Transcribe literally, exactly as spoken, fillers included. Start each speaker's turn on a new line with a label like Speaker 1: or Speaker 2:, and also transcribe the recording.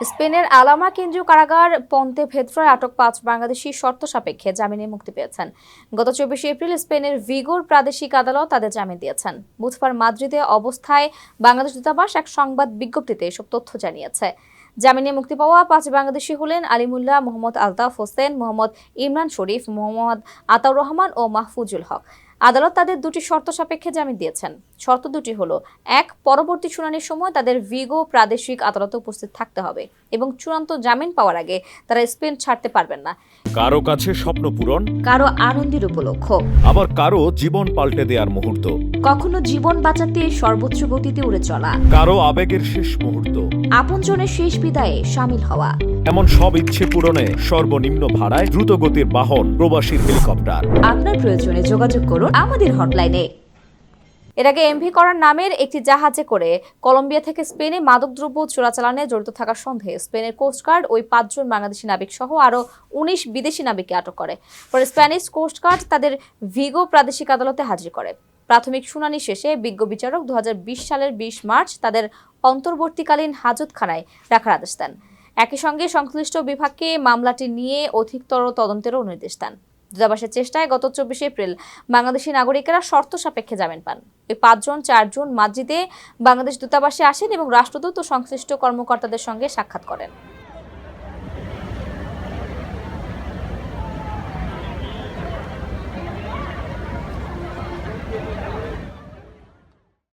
Speaker 1: স্পেনের আলামা কেন্দ্রীয় কারাগার পন্তে ভেদ্রোয় আটক পাঁচ বাংলাদেশি শর্ত সাপেক্ষে জামিনে মুক্তি পেয়েছেন। গত চব্বিশে এপ্রিল স্পেনের ভিগোর প্রাদেশিক আদালত তাদের জামিন দিয়েছেন। বুধবার মাদ্রিদে অবস্থায় বাংলাদেশ দূতাবাস এক সংবাদ বিজ্ঞপ্তিতে এসব তথ্য জানিয়েছে। জামিনে মুক্তি পাওয়া পাঁচ বাংলাদেশি হলেন আলিমুল্লাহ, মোহাম্মদ আলতাফ হোসেন, মোহাম্মদ ইমরান শরীফ, মোহাম্মদ আতাউর রহমান ও মাহফুজুল হক। আদালত তাদের দুটি শর্ত সাপেক্ষে জামিন দিয়েছেন। শর্ত দুটি হলো, এক, পরবর্তী শুনানির সময় তাদের ভিগো প্রাদেশিক আদালতে উপস্থিত থাকতে হবে এবং চূড়ান্ত জামিন পাওয়ার আগে তারা স্পেন ছাড়তে পারবেন না।
Speaker 2: কারো কাছে স্বপ্ন পূরণ,
Speaker 1: কারো আনন্দের উপলক্ষ,
Speaker 2: আবার কারো জীবন পাল্টে দেওয়ার মুহূর্ত,
Speaker 1: কখনো জীবন বাঁচাতে সর্বোচ্চ গতিতে উড়ে চলা,
Speaker 2: কারো আবেগের শেষ মুহূর্ত,
Speaker 1: আপনজনের শেষ বিদায়ে শামিল হওয়া।
Speaker 2: এমন সব ইচ্ছে পূরণে সর্বনিম্ন ভাড়ায় দ্রুতগতির বাহন প্রবাসীর হেলিকপ্টার।
Speaker 1: আপনার প্রয়োজনে যোগাযোগ করুন আমাদের হটলাইনে। এর আগে এমভি করার নামের একটি জাহাজে করে কলম্বিয়া থেকে স্পেনে মাদকদ্রব্য চোরাচালানে জড়িত থাকার সন্দেহে স্পেনের কোস্টগার্ড ওই পাঁচজন বাংলাদেশি নাবিক সহ আরও উনিশ বিদেশি নাবিককে আটক করে। পরে স্প্যানিশ কোস্টগার্ড তাদের ভিগো প্রাদেশিক আদালতে হাজির করে। প্রাথমিক শুনানি শেষে বিজ্ঞ বিচারক দু হাজার বিশ সালের বিশ মার্চ তাদের অন্তর্বর্তীকালীন হাজতখানায় রাখার আদেশ দেন। একই সঙ্গে সংশ্লিষ্ট বিভাগকে মামলাটি নিয়ে অধিকতর তদন্তেরও নির্দেশ দেন। দূতাবাসের চেষ্টায় গত চব্বিশে এপ্রিল বাংলাদেশি নাগরিকেরা শর্ত সাপেক্ষে জামিন পান। ওই পাঁচজন চারজন মাদ্রিদে বাংলাদেশ দূতাবাসে আসেন এবং রাষ্ট্রদূত ও সংশ্লিষ্ট কর্মকর্তাদের সঙ্গে সাক্ষাৎ করেন।